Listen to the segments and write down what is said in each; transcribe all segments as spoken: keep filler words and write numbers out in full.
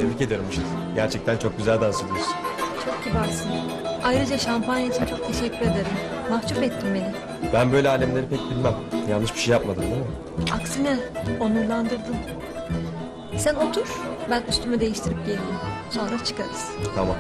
Tebrik ederim Işıl. Gerçekten çok güzel dans ediyorsun. Çok kibarsın. Ayrıca şampanya için çok teşekkür ederim. Mahcup ettin beni. Ben böyle alemleri pek bilmem. Yanlış bir şey yapmadım değil mi? Aksine onurlandırdın. Sen otur, ben üstümü değiştirip geleyim. Sonra çıkarız. Tamam.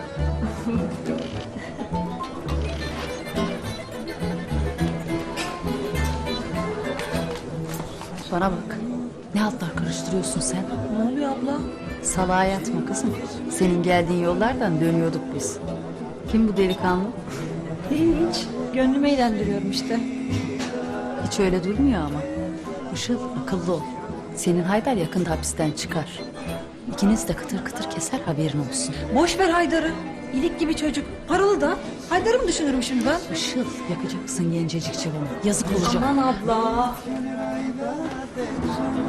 Bana bak. Ne hatlar karıştırıyorsun sen? Ne oluyor abla? Salağa yatma kızım. Senin geldiğin yollardan dönüyorduk biz. Kim bu delikanlı? Hiç. Gönlümü eğlendiriyorum işte. Hiç öyle durmuyor ama. Işıl akıllı ol. Senin Haydar yakında hapisten çıkar. İkiniz de kıtır kıtır keser, haberin olsun. Boş ver Haydar'ı. İlik gibi çocuk. Paralı da. Haydar'ı mı düşünürüm şimdi ben? Işıl yakacaksın gencecik cıvını. Yazık olacak. Aman abla.